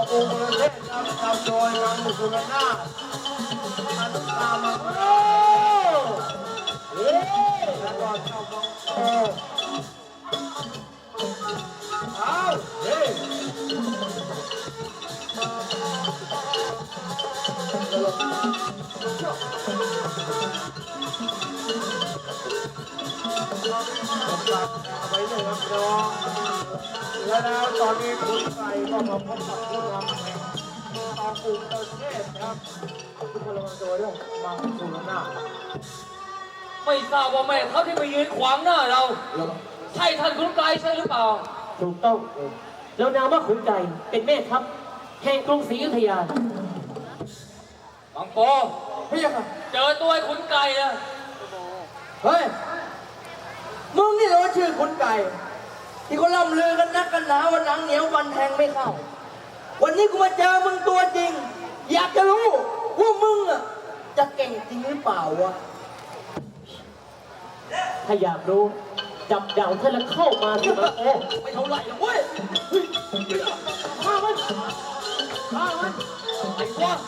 ปูประเทศนำโดยนางมุสุรนาถอนุตามังโรแล้วก็เจ้ามังโรเอาเฮ้ยไปเลยครับน้องแล้วตอนนี้คุณไก่ก็มาพบกับผู้นำแห่งตองปูประเทศครับทุกคนระวังตัวด้วยมังสุรนาถไม่ทราบว่าแม่เขาที่มายืนขวางหน้าเราใช่ท่านคุณไกลใช่หรือเปล่าถูกต้องแล้วนามว่าขุนไก่เป็นแม่ทัพแห่งกรุงศรีอยุธยาบางโปพี่ยังไงเจอตัวไอ้ขุนไก่แล้วเฮ้ยมึงนี่เหรอชื่อขุนไก่ที่เขาล่ำลือกันนักกันหนาวันหนังเหนียววันแทงไม่เข้าวันนี้กูมาเจอมึงตัวจริงอยากจะรู้ว่ามึงอ่ะจะเก่งจริงหรือเปล่าวะถ้าอยากรู้จับดาวท่านแล้วเข้ามาสิมันโอ้ไม่เท่าไหร่หรอกเว้ยฆ่ามันไอ้พวก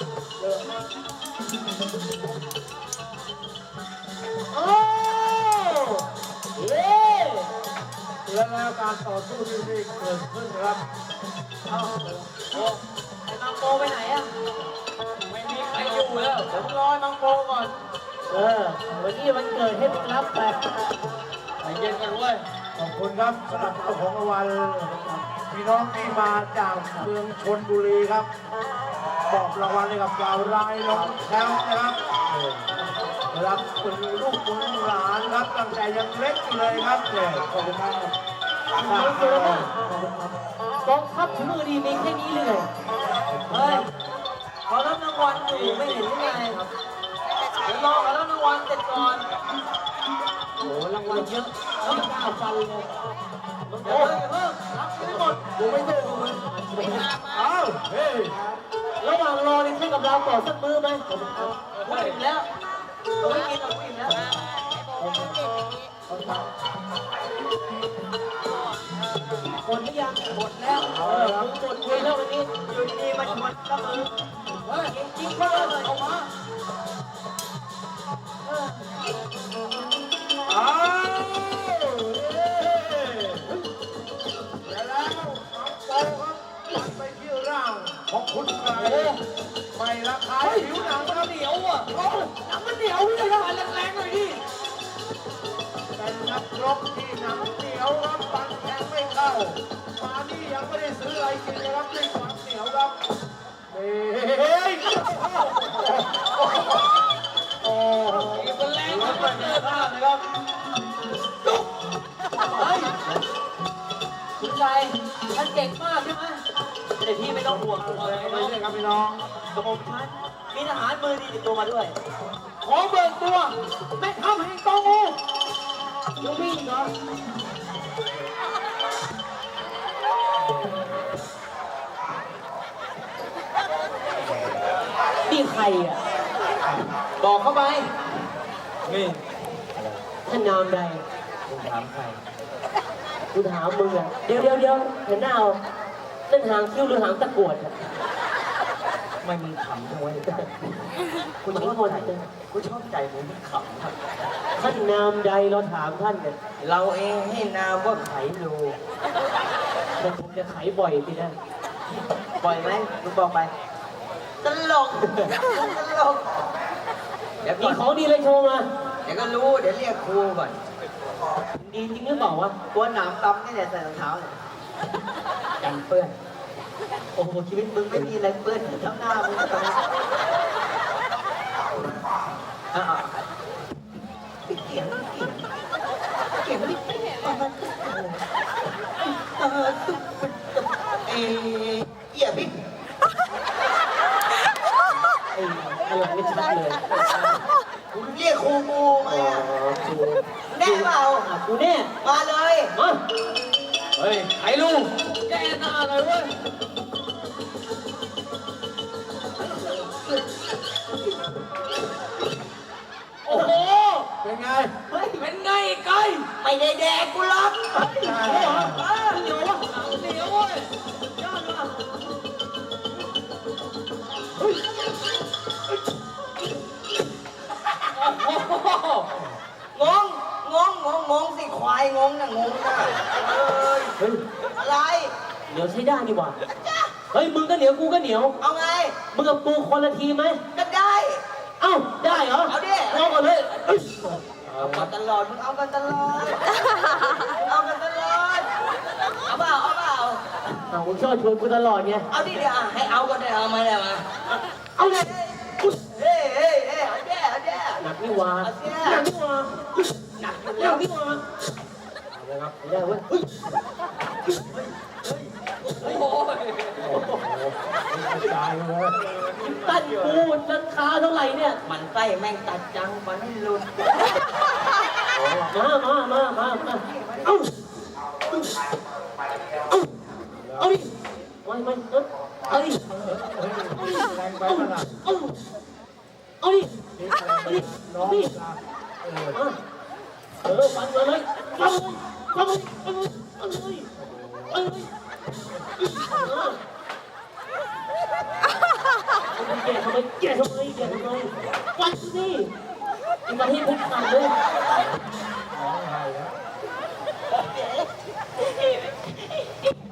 โอ้เย้แล้วการต่อสู้ที่นี่เกิดขึ้นครับโอ้ไอ้มังโปไปไหนอ่ะไม่มีใครอยู่แล้วผมรอมังโปก่อนวันนี้มันเกิดให้มึงรับไปใจเย็นกันด้วยขอบคุณครับสำหรับเจ้าของรางวัลพี่น้องที่มาจากเมืองชลบุรีครับบอกรางวัลให้กับเรารายน้องแชมป์นะครับรับคุณลูกคุณหลานครับตั้งแต่ยังเล็กเลยครับเนี่ยขอบคุณครับกองทัพถึงมือดีมีแค่นี้เลยเฮ้ยเขารับรางวัลอยู่ไม่เห็นหรือไงเดี๋ยวรอเขารับรางวัลเสร็จก่อนโอ้รางวัลเยอะแล้วมันก้าวฟันเลยเดี๋ยวรับไม่หมดกูไม่ได้ดูมันอ้าวเฮ้ยระหว่างรอนี่ให้กับเราต่อสักมื้อไหมกูอิ่มแล้วกูไม่กินกูอิ่มแล้วหมดหรือยังหมดแล้วหมดคุยแล้ววันนี้อยู่ดีมาชวนก็มือเฮ้ยจริงๆก็เลยออกมาอ้าวแล้วน้องโตครับมันไปที่ร่างของคุณไก่ไม่ละคายผิวหนังมันเหนียวอ่ะหนังมันเหนียวเลยนะแรงๆหน่อยดิเป็นนักรบที่หนังเหนียวครับฟันแทงไม่เข้ามานี่ยังไม่ได้ซื้ออะไรกินเลยครับด้วยความเหนียวครับเฮ้ยโอ้ยเป็นแรงมากเลยนะครับจุ๊บเฮ้ยคุณชายท่านเก่งมากใช่ไหมแต่พี่ไม่ต้องห่วงอะไรเลยครับพี่น้องกระผมท่านมีทหารมือดีติดตัวมาด้วยขอเบิกตัวแม่ทัพแห่งตองอูยังวิ่งเหรอนี่ใครอ่ะบอกเข้าไปนี่ท่านนามใดคุณถามใครกูถามมึงอ่ะเดี๋ยวเห็นหน้าเอานั่นหางคิ้วหรือหางตะกรวดไม่มึงขำด้วยคุณชอบใจกูชอบใจมึงขำครับท่านนามใดเราถามท่านเนี่ยเราเองให้นามว่าไขลูแต่ผมจะไขบ่อยสินะบ่อยไหมมึงบอกไปตลกเดี๋ยวมีของดีเลยโชว์มาเดี๋ยวก็รู้เดี๋ยวเรียกครูก่อนดีจริงหรือเปล่าวะตัวหนามตำนี่แหละใส่รองเท้าเนี่ยกันเปื้อนโอ้โหชีวิตมึงไม่มีอะไรเปื้อนทั้งหน้ามึงตอนนี้ปิดเสียงไม่ตุ๊กเอี่ยบิ๊กอะไรไม่ชัดเลยคุณเรียกครูกูมาแน่เปล่ากูแน่มาเลยมาเฮ้ยไอ้ลูกแกหน้าเลยเว้ยโอ้โหเป็นไงเป็นไงไก่ไม่ได้แดกกูหรอกเหนียววะเหนียวเว้ยยอดว่ะงงนะเอ้ยเฮ้ยอะไรเหนียวใช้ได้นี่หว่าเฮ้ยมึงก็เหนียวกูก็เหนียวเอาไงมึงกับกูคนละทีไหมก็ได้เอ้าได้เหรอเอาดิเอาก่อนเลยเอ้ยเอากันตลอดมึงเอากันตลอดเอากันตลอดเอาเปล่าเอามึงชอบชวนกูตลอดไงเอาดิเดี๋ยวให้เอากันได้เอามาเลยมาเอาเลยเฮ้เอาแย่หนักนี่หว่าหนักนี่หว่าหนักอยู่หแล้นัวกนี่หว่าเอาเลยครับไม่ได้เว้ยเฮ้ยโอ้ยตายเลยตั้นกูราคาเท่าไหร่เนี่ยมันไส้แม่งตัดจังมันไม่หลุดมาเอาเอาดิไม่เอาดิแรงไปขนาดเอาดิน้องฟันเลยฟันเลยแกทำไมฟันสิมาให้พุทธาเลย